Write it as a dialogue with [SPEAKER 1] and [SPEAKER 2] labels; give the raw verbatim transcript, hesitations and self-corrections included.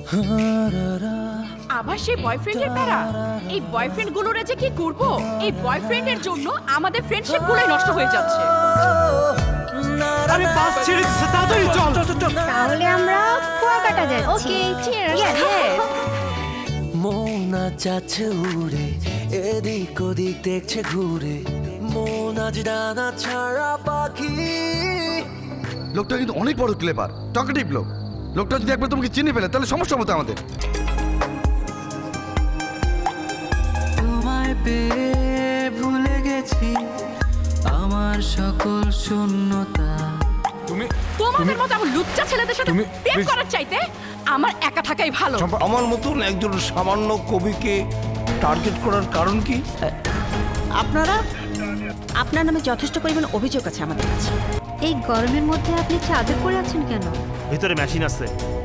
[SPEAKER 1] আবার সেই বয়ফ্রেন্ডের প্যারা। এই বয়ফ্রেন্ড গুলোর যে কি করব, এই বয়ফ্রেন্ডের জন্য আমাদের ফ্রেন্ডশিপ গুলোই নষ্ট হয়ে যাচ্ছে।
[SPEAKER 2] আরে বাস ছেড়ে দিচ্ছে, তাড়াতাড়ি চল চল চল।
[SPEAKER 3] তাহলে আমরা কুয়াকাটা যাচ্ছি।
[SPEAKER 1] Okay, cheers.
[SPEAKER 4] মন আজ যাচ্ছে উড়ে, এদিক ওদিক দেখছে ঘুরে, মন আজ ডানা ছাড়া পাখি।
[SPEAKER 5] লোকটা কিন্তু অনেক বড় ক্লেভার, টকেটিভ লোক। লোকটা যদি একবার তোমাকে চিনে ফেলে তাহলে সমস্যা মতো আমাদের।
[SPEAKER 4] তোমায় পেয়ে ভুলে গেছি আমার সকল শূন্যতা।
[SPEAKER 2] তুমি
[SPEAKER 1] তোমাদের মতো আমার লুচ্চা ছেলেদের সাথে
[SPEAKER 2] তুমি-
[SPEAKER 1] প্রেম
[SPEAKER 2] please-
[SPEAKER 1] করার চাইতে আমার একা থাকাই ভালো।
[SPEAKER 6] আমার মতন একজন সামান্য কবিকে টার্গেট করার কারণ কি?
[SPEAKER 7] আপনারা আপনার নামে যথেষ্ট পরিমাণ অভিযোগ আছে আমাদের কাছে।
[SPEAKER 3] এই গরমের মধ্যে আপনি চাদর পরে আছেন কেন?
[SPEAKER 2] ভিতরে মেশিন আছে।